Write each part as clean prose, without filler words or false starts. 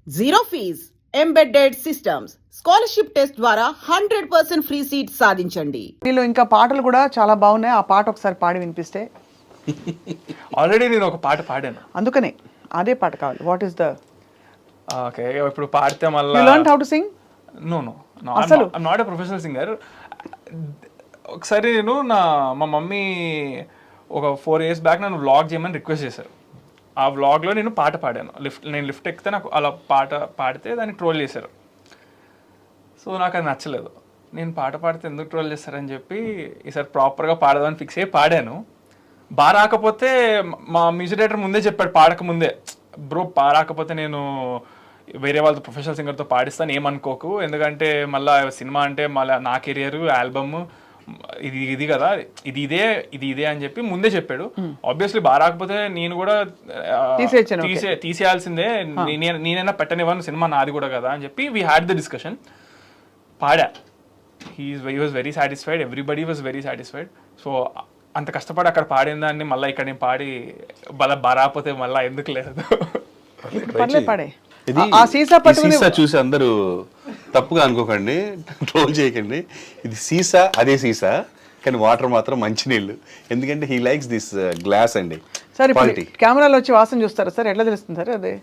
Zero fees embedded systems scholarship test ద్వారా 100% free seat సాధించండి. వీళ్ళు ఇంకా పాటలు కూడా చాలా బాగున్నాయి. ఆ పాట ఒకసారి పాడి వినిపిస్తే. ఆల్రెడీ నేను ఒక పాట పాడాను. అందుకనే అదే పాట కావాలి. వాట్ ఈస్ ద ఓకే ఇప్పుడు పాడితే మళ్ళీ you learn how to sing? No అసలు I'm not a professional singer. ఒకసారి నేను మా మమ్మీ ఒక 4 years బ్యాక్ నన్ను వ్లాగ్ చేయమని రిక్వెస్ట్ చేశారు. ఆ వ్లాగ్లో నేను పాట పాడాను. నేను లిఫ్ట్ ఎక్కితే నాకు అలా పాట పాడితే దాన్ని ట్రోల్ చేశారు. సో నాకు అది నచ్చలేదు. నేను పాట పాడితే ఎందుకు ట్రోల్ చేస్తారని చెప్పి ఈసారి ప్రాపర్గా పాడదామని ఫిక్స్ అయ్యి పాడాను. బాగా రాకపోతే మా మ్యూజిక్ డైరెక్టర్ ముందే చెప్పాడు, పాడక ముందే, బ్రో రాకపోతే నేను వేరే వాళ్ళతో ప్రొఫెషనల్ సింగర్తో పాడిస్తాను, ఏమనుకోకు, ఎందుకంటే మళ్ళీ సినిమా అంటే మళ్ళీ నా కెరియర్ ఆల్బమ్ ఇది కదా, ఇది ఇదే అని చెప్పి ముందే చెప్పాడు. ఆబ్వియస్లీ బాగా రాకపోతే నేను కూడా తీసేయాల్సిందే, నేనైనా పెట్టనివ్వను, సినిమా నాది కూడా కదా అని చెప్పి వీ హ్యాడ్ ద డిస్కషన్. పాడా. He was very satisfied, everybody was very satisfied. So అంత కష్టపడి అక్కడ పాడిన దాన్ని మళ్ళీ ఇక్కడ నేను పాడి బారాపోతే మళ్ళీ ఎందుకు లేదు. ఇది సీసా చూసి అందరూ తప్పుగా అనుకోకండి, ట్రోల్ చేయకండి. ఇది సీసా, అదే సీసా, కానీ వాటర్ మాత్రం మంచినీళ్ళు. ఎందుకంటే హీ లైక్స్ దిస్ గ్లాస్ అండి. సార్ కెమెరాలో వచ్చి వాసన చూస్తారా సార్? ఎట్లా తెలుస్తుంది సార్? అదే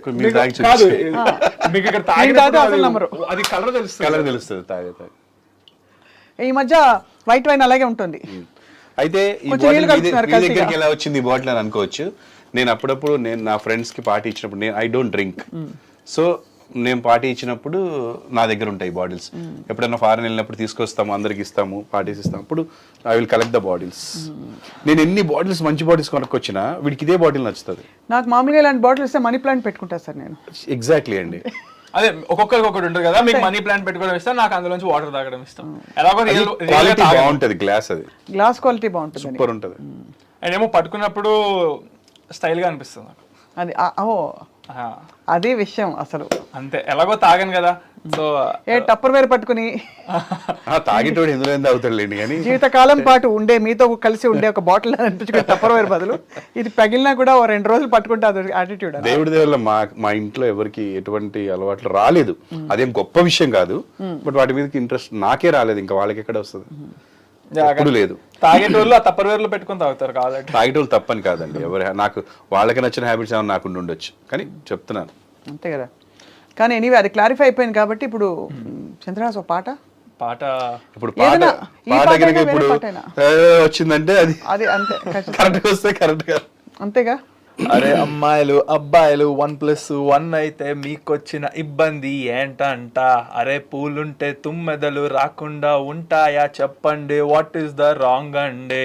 అది కలర్ తెలుస్తుంది తాగే. ఈ మధ్య వైట్ వైన్ అలాగే ఉంటుంది. అయితే ఈ దగ్గరికి ఎలా వచ్చింది ఈ బాటిల్ అని అనుకోవచ్చు. నేను అప్పుడప్పుడు నా ఫ్రెండ్స్ కి పార్టీ ఇచ్చినప్పుడు, ఐ డోంట్ డ్రింక్, సో నేను పార్టీ ఇచ్చినప్పుడు నా దగ్గర ఉంటాయి బాటిల్స్. ఎప్పుడైనా ఫారెన్ వెళ్ళినప్పుడు తీసుకొస్తాము, అందరికి ఇస్తాము, పార్టీస్ ఇస్తాము, అప్పుడు I will collect the bottles. నేను ఎన్ని బాటిల్స్, మంచి బాటిల్స్ కొనుక్కొచ్చినా వీడికి ఇదే బాటిల్ నచ్చుతుంది. నాకు మామూలుగా ఇలాంటి బాటిల్ ఇస్తే మనీ ప్లాంట్ పెట్టుకుంటా సార్ నేను. ఎగ్జాక్ట్లీ అండి. అదే ఒక్కొక్కరికి ఒకటి ఉంటుంది కదా, మీకు మనీ ప్లాంట్ పెట్టుకోవడం ఇష్టం, నాకు అందులోంచి వాటర్ తాగడం ఇష్టం. ఎలాగో క్వాలిటీ బాగుంటది, గ్లాస్ అది గ్లాస్ క్వాలిటీ బాగుంటుంది, సూపర్ ఉంటుంది. అండ్ ఏమో పట్టుకున్నప్పుడు స్టైల్ గా అనిపిస్తుంది నాకు. అది అదే విషయం అసలు. అంతే, ఎలాగో తాగాను కదా, సో టప్పర్ వేరు పట్టుకుని తాగేటోడు ఎందులో తాగుతాడులేండి, కానీ జీవితకాలం పాటు ఉండే మీతో కలిసి ఉండే ఒక బాటిల్ అనిపించుకుని టప్పర్ వేరు బదులు ఇది పగిలినా కూడా 2 రోజులు పట్టుకుంటే అది యాటిట్యూడ్. దేవుడి దేవుళ్ళ మా ఇంట్లో ఎవరికి ఎటువంటి అలవాట్లు రాలేదు. అదేం గొప్ప విషయం కాదు, బట్ వాటి మీద ఇంట్రెస్ట్ నాకే రాలేదు. ఇంకా వాళ్ళకి ఎక్కడ వస్తుంది, ఎప్పుడు లేదు. తాగేటోళ్ళు ఆ తప్పర్ వేర్లు పెట్టుకుని తాగుతారు కాబట్టి. తాగేటోళ్ళు తప్పని కాదండి, ఎవరి నాకు వాళ్ళకి నచ్చిన హ్యాబిట్స్ ఏమైనా నాకు ఉండొచ్చు, కానీ చెప్తున్నాను అంతే కదా. కానీ ఎనీవే అది క్లారిఫై అయిపోయింది కాబట్టి ఇప్పుడు చంద్రహాస్ ఒక పాట ఇప్పుడు ఇప్పుడు వచ్చిందంటే అది అంతే, కరెక్ట్ వస్తే కరెక్ట్ గా అంతేగా. అరే అమ్మాయిలు అబ్బాయిలు 1+1 అయితే మీకొచ్చిన ఇబ్బంది ఏంటంట? అరే పూలుంటే తుమ్మెదలు రాకుండా ఉంటాయా చెప్పండి, వాట్ ఈస్ ద రాంగ్ అండి?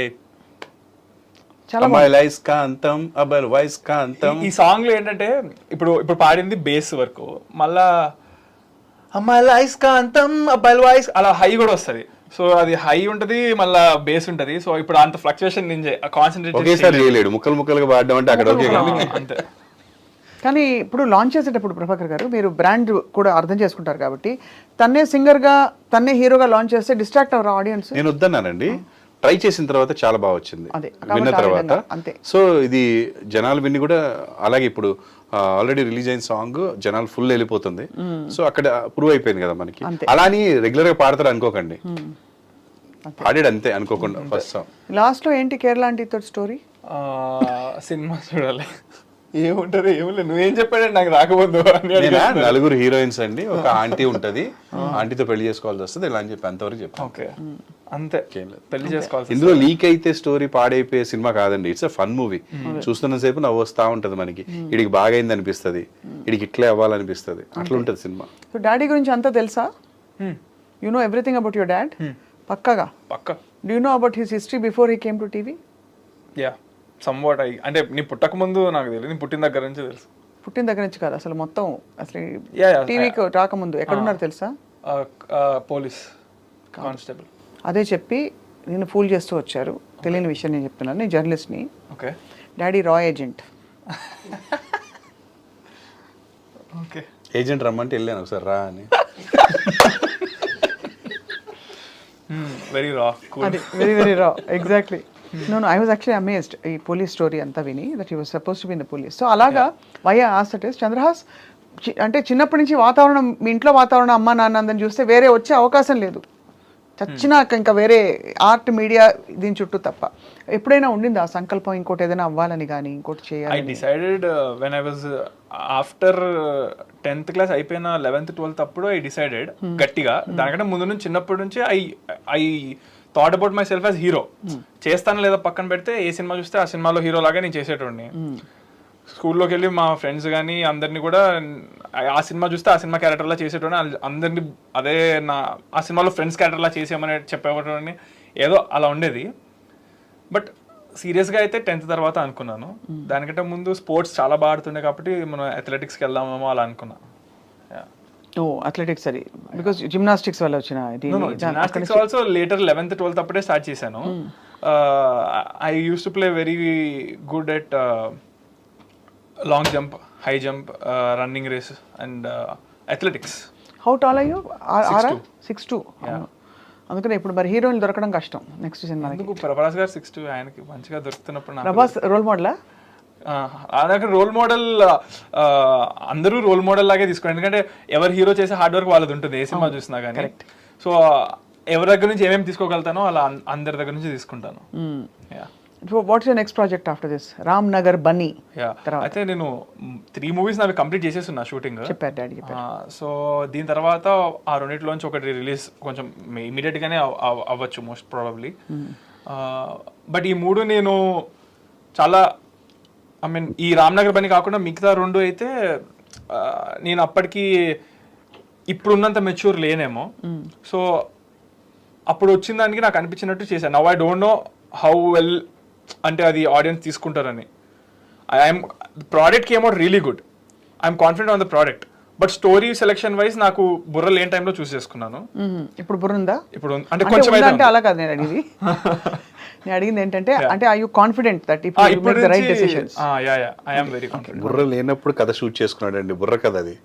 ఈ సాంగ్ లో ఏంటంటే ఇప్పుడు పాడింది బేస్ వరకు, మళ్ళా అమ్మాయిల ఐస్కాంతం అబ్బాయిల వాయిస్ అలా హై కూడా వస్తుంది. సో అది హై ఉంటది, మళ్ళా బేస్ ఉంటది. సో ఇప్పుడు అంత ఫ్లక్చుయేషన్ నేను కాన్సన్ట్రేట్ ముక్కలుగా పాడడం అంటే అక్కడ అంతే. కానీ ఇప్పుడు లాంచ్ చేసేటప్పుడు ప్రభాకర్ గారు మీరు బ్రాండ్ కూడా అర్థం చేసుకుంటారు కాబట్టి తన్నే సింగర్ గా తన్నే హీరోగా లాంచ్ చేస్తే డిస్ట్రాక్ట్ అవర్ ఆడియన్స్. నేను వద్దన్నానండి, ట్రై చేసిన తర్వాత చాలా బాగా వచ్చింది, విన్న తర్వాత. సో ఇది జనాలు విని కూడా అలాగే ఇప్పుడు ఆల్రెడీ రిలీజ్ అయిన సాంగ్ జనాలు ఫుల్ వెళ్ళిపోతుంది. సో అక్కడ ప్రూవ్ అయిపోయింది కదా మనకి. అలా అని రెగ్యులర్ గా పాడతారు అనుకోకండి, పాడాడు అంతే అనుకోకుండా. ఫస్ట్ సాంగ్ లాస్ట్ లో ఏంటి కేరళ ఆంటీ తోటి స్టోరీ? సినిమా చూడాలి, ఏముంటది ఏమి నువ్వేం చెప్పాడండి నాకు రాకపోదు. 4 హీరోయిన్స్ అండి, ఒక ఆంటీ ఉంటది, ఆంటీతో పెళ్లి చేసుకోవాల్సి వస్తుంది ఇలా అని చెప్పి అంతవరకు చెప్పాను. అంతే, పెళ్లి చేసుకోవాలి. ఇందులో లీక్ అయితే స్టోరీ పాడైపోయే సినిమా కాదండి, ఇట్స్ అ ఫన్ మూవీ. చూస్తున్న సేపు నవ్వు వస్తా ఉంటది మనకి, ఇడికి బాగైంది అనిపిస్తుంది, ఇడికి ఇట్లే అవ్వాలనిపిస్తుంది, అట్లా ఉంటది సినిమా. సో డాడీ గురించి అంతా తెలుసా? You know everything about your dad? పక్కాగా. Do you know about his history before he came to TV? Yeah somewhat. అంటే నీ పుట్టక ముందు నాకు తెలియదు, నీ పుట్టిన దగ్గర నుంచి తెలుసు. పుట్టిన దగ్గర నుంచి కాదు, అసలు మొత్తం అసలు టీవీకి రాకముందు ఎక్కడున్నారు తెలుసా? Police constable. అదే చెప్పి నేను ఫూల్ చేస్తూ వచ్చారు, తెలియని విషయం నేను చెప్తున్నాను. నేను జర్నలిస్ట్ని, డాడీ రా ఏజెంట్. ఏజెంట్ రమ్మంటే వెళ్ళాను ఒకసారి రా అని. Very raw, very very raw, exactly. No, I was actually amazed ఈ పోలీస్ స్టోరీ అంతా విని, that he was supposed to be in the police. So అలాగా why I asked it is, Chandrahas అంటే చిన్నప్పటి నుంచి వాతావరణం, మీ ఇంట్లో వాతావరణం అమ్మ నాన్న అందరిని చూస్తే వేరే వచ్చే అవకాశం లేదు, చచ్చినాక ఇంకా వేరే ఆర్ట్ మీడియా దీని చుట్టూ తప్ప. ఎప్పుడైనా ఉండింది ఆ సంకల్పం ఇంకోటి ఏదైనా అవ్వాలని కానీ ఇంకోటి ఐ చేయాలి? Decided when I was after 10th class అయిపోయిన 11th 12th అప్పుడు ఐ డిసైడెడ్ గట్టిగా. దానికంటే ముందు నుంచి చిన్నప్పటి నుంచి I thought about myself as hero. చేస్తాను లేదా పక్కన పెడితే ఏ సినిమా చూస్తే ఆ సినిమాలో హీరో లాగా నేను చేసేటోడిని. స్కూల్లోకి వెళ్ళి మా ఫ్రెండ్స్ కానీ అందరినీ కూడా ఆ సినిమా చూస్తే ఆ సినిమా క్యారెక్టర్లా చేసేటోని, అందరినీ అదే ఆ సినిమాలో ఫ్రెండ్స్ క్యారెక్టర్లా చేసేయమని చెప్పేవాడిని. ఏదో అలా ఉండేది. బట్ సీరియస్గా అయితే 10th తర్వాత అనుకున్నాను. దానికంటే ముందు స్పోర్ట్స్ చాలా బాగా ఆడుతుండే కాబట్టి మనం అథ్లెటిక్స్కి వెళ్దామేమో అలా అనుకున్నా. అథ్లెటిక్స్ అది బికాస్ జిమ్నాస్టిక్స్ వల్ల వచ్చిన gymnastics also later 11th 12th అప్పుడే స్టార్ట్ చేశాను. I use to play very good at long jump, high jump, running race and athletics. How tall అయ్యో? 6'2". అందుకనే ఇప్పుడు మరి హీరోయిన్ దొరకడం కష్టం నెక్స్ట్ సినిమా. ఎందుకు ప్రభాస్ గారు 6'2", ఆయనకి మంచిగా దొరుకుతున్నప్పుడు ప్రభాస్ రోల్ మోడలా? అదొక రోల్ మోడల్, అందరూ రోల్ మోడల్ లాగే తీసుకోండి. ఎందుకంటే ఎవరు హీరో చేసే హార్డ్ వర్క్ వాళ్ళది ఉంటుంది ఏ సినిమా చూసినా కానీ. సో ఎవరి దగ్గర నుంచి ఏమేమి తీసుకోగలుగుతానో అలా అందరి దగ్గర నుంచి తీసుకుంటాను. What's your next project after this? Ram Nagar Bunny. అయితే నేను 3 మూవీస్ నావి కంప్లీట్ చేసేస్తున్నా షూటింగ్. చెప్పారు డాడీ. సో దీని తర్వాత ఆ రెండిట్లోంచి ఒకటి రిలీజ్ కొంచెం ఇమీడియట్ గానే అవ్వచ్చు మోస్ట్ ప్రాబబ్లీ. బట్ ఈ 3 నేను చాలా ఐ మీన్ ఈ రామ్నగర్ బన్నీ కాకుండా మిగతా 2 అయితే నేను అప్పటికి ఇప్పుడున్నంత మెచ్యూర్ లేనేమో. సో అప్పుడు వచ్చిన దానికి నాకు అనిపించినట్టు చేశాను. Now I don't know how well అంటే అది ఆడియన్స్ తీసుకుంటారని. I'm product came out really good. I'm confident on the product. But story selection wise నాకు బుర్ర లేని టైంలో చూస్ చేసుకున్నాను. ఇప్పుడు బుర్ర ఉందా? ఇప్పుడు అంటే కొంచెం అంటే అలా కాదు నేను అడిగింది. నేను అడిగింది ఏంటంటే అంటే I you confident that if you make the right decisions? I am very confident. బుర్ర లేనప్పుడు కథ షూట్ చేసుకున్నాడు అండి. బుర్ర కథ అది.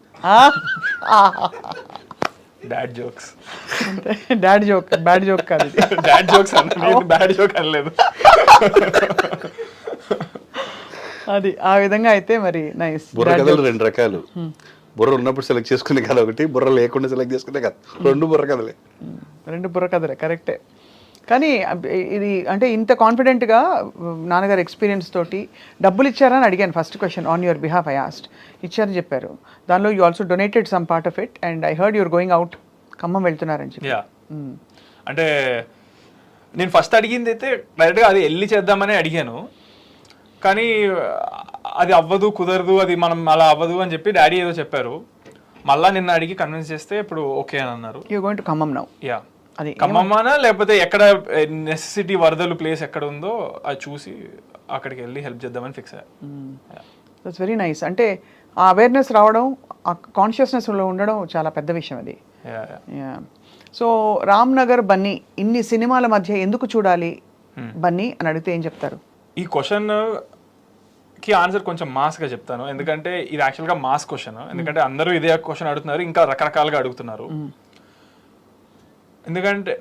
Dad jokes. Dad joke, bad joke కాదు. డాడ్ జోక్స్ అన్నది, బ్యాడ్ జోక్ అనలేదు. అది ఆ విధంగా అయితే మరి నైస్. బుర్ర కథలు 2 రకాలు. బుర్ర ఉన్నప్పుడు సెలెక్ట్ చేసుకునే కథ ఒకటి, బుర్ర లేకుండా సెలెక్ట్ చేసుకునే కథ. 2 బుర్ర కథలే. 2 బుర్ర కథలే, కరెక్టే. కానీ ఇది అంటే ఇంత కాన్ఫిడెంట్గా నాన్నగారు ఎక్స్పీరియన్స్ తోటి డబ్బులు ఇచ్చారని అడిగాను first question on your behalf. I asked, ఇచ్చారని చెప్పారు. దానిలో you also donated some part of it and I heard your going out, Khammam వెళ్తున్నారని చెప్పి. అంటే నేను ఫస్ట్ అడిగింది అయితే డైరెక్ట్గా అది వెళ్ళి చేద్దామని అడిగాను. కానీ అది అవ్వదు, కుదరదు, అది మనం అలా అవ్వదు అని చెప్పి డాడీ ఏదో చెప్పారు. మళ్ళీ నిన్న అడిగి కన్విన్స్ చేస్తే ఇప్పుడు ఓకే అని అన్నారు. You going to Khammam now? Yeah. అది ఖమ్మమానా లేకపోతే ఎక్కడ నెసెసిటీ వరదలు ప్లేస్ ఎక్కడ ఉందో అది చూసి అక్కడికి వెళ్ళి హెల్ప్ చేద్దామని ఫిక్స్ అయ్యా. That's very nice. అంటే ఆ అవేర్నెస్ రావడం, ఆ కాన్షియస్నెస్లో ఉండడం చాలా పెద్ద విషయం అది. సో రామ్ నగర్ బన్నీ ఇన్ని సినిమాల మధ్య ఎందుకు చూడాలి బన్నీ అని అడిగితే ఏం చెప్తారు? ఈ క్వశ్చన్ కి ఆన్సర్ కొంచెం మాస్గా చెప్తాను. ఎందుకంటే ఇది యాక్చువల్గా మాస్ క్వశ్చన్. ఎందుకంటే అందరూ ఇదే క్వశ్చన్ అడుగుతున్నారు, ఇంకా రకరకాలుగా అడుగుతున్నారు. ఎందుకంటే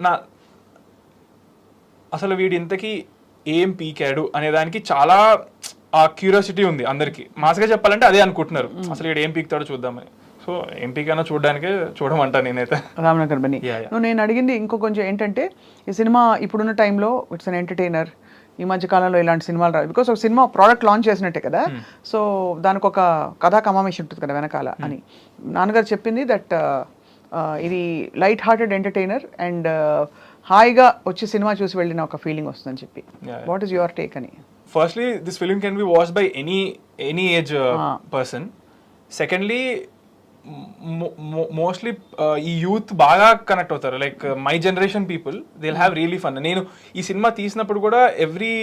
అసలు వీడి ఇంతకీ ఏం పీకాడు అనే దానికి చాలా ఆ క్యూరియాసిటీ ఉంది అందరికి. మాస్గా చెప్పాలంటే అదే అనుకుంటున్నారు, అసలు వీడు ఏం పీకుతాడో చూద్దామని. సో ఏం పీకైనా చూడడానికే చూడమంటా నేనైతే రామ్నగర్ బన్నీ. నేను అడిగింది ఇంకో కొంచెం ఏంటంటే ఈ సినిమా ఇప్పుడున్న టైంలో ఇట్స్ అన్ ఎంటర్టైనర్. ఈ మధ్య కాలంలో ఇలాంటి సినిమాలు రాదు బికాస్ ఒక సినిమా ప్రోడక్ట్ లాంచ్ చేసినట్టే కదా. సో దానికి ఒక కథా కమామేషన్ ఉంటుంది కదా వెనకాల అని నాన్నగారు చెప్పింది. దట్ ఇది లైట్ హార్టెడ్ ఎంటర్టైనర్ అండ్ హాయిగా వచ్చి సినిమా చూసి వెళ్ళిన ఒక ఫీలింగ్ వస్తుందని చెప్పి. వాట్ ఈస్ యువర్ టేక్ అని? Firstly this film can be watched by any age person. Secondly mostly ఈ యూత్ బాగా కనెక్ట్ అవుతారు. Like my generation people they will have really fun. నేను ఈ సినిమా తీసినప్పుడు కూడా ఎవ్రీ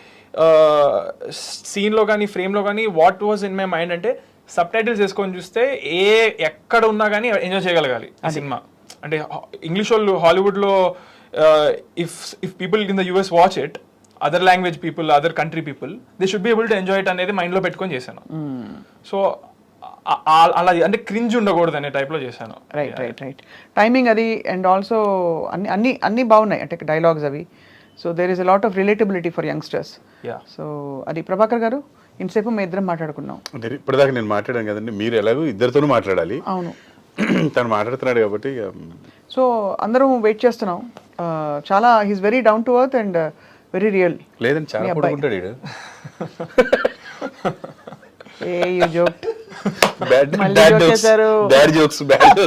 సీన్లో కానీ ఫ్రేమ్లో కానీ what was in my mind అంటే సబ్ టైటిల్స్ వేసుకొని చూస్తే ఎక్కడ ఉన్నా కానీ ఎంజాయ్ చేయగలగాలి ఆ సినిమా. అంటే ఇంగ్లీష్ వాళ్ళు హాలీవుడ్లో if people in the US watch it, other language people, other country people, they should be able to enjoy it అనేది మైండ్లో పెట్టుకొని చేశాను. సో అలా అంటే క్రింజ్ ఉండకూడదు అనే టైప్లో చేశాను. రైట్. టైమింగ్ అది అండ్ ఆల్సో అన్ని బాగున్నాయి అంటే డైలాగ్స్ అవి. So there is a lot of relatability for youngsters. So అది ప్రభాకర్ గారు ఇంతసేపు మేము ఇద్దరం మాట్లాడుకున్నాం. అంటే ఇప్పటిదాకా నేను మాట్లాడాను కదండి, మీరు ఎలాగో ఇద్దరితోనూ మాట్లాడాలి. అవును. తను మాట్లాడుతున్నాడు కాబట్టి సో అందరం వెయిట్ చేస్తున్నాం. చాలా he's very down to earth and very real. లేదండి, చాలా పడుకుంటాడు వీడు. A you joke. Bad jokes.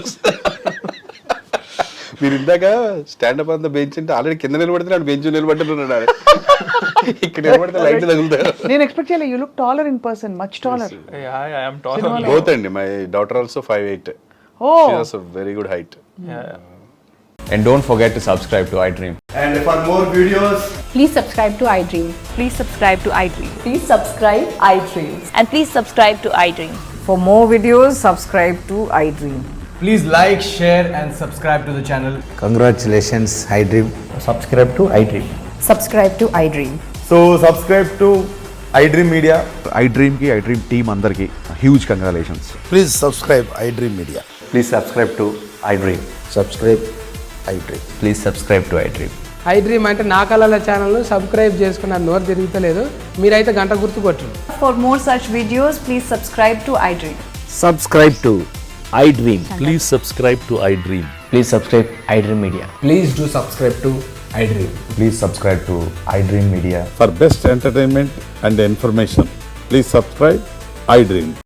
మీరు ఇందాక స్టాండప్ అంతా బెంచ్ అంటే ఆల్రెడీ కింద నిలబడుతున్నాడు, బెంచ్ నిలబడుతున్నాడు. ఇక్కడ నిలబడితే లైట్ తగులుతారు. నేను ఎక్స్పెక్ట్ చేయలేదు. You look taller in person, much taller. Both అండి. My daughter also 5'8". Oh, she has a very good height. And don't forget to subscribe to iDream. And for more videos, Please subscribe to iDream. Please subscribe to iDream. Please subscribe iDream. And please subscribe to iDream. For more videos, subscribe to iDream. please like, share, and subscribe to the channel. Congratulations, iDream. Subscribe to iDream. Subscribe to iDream. So subscribe to iDream Media. iDream ki iDream team andarki huge congratulations. Please subscribe iDream Media. Please subscribe to iDream. Subscribe iDream. Please subscribe to iDream. iDream అంటే నా కళల ఛానల్ను subscribe చేసుకున్న నోరు తిరుగుతలేదు. మీరైతే గంట గుర్తు కొట్టండి. For more such videos, please subscribe to iDream. Subscribe to iDream. Please subscribe to iDream. Please subscribe iDream Media. Please do subscribe to iDream. Please subscribe to iDream Media. For best entertainment and information, please subscribe iDream.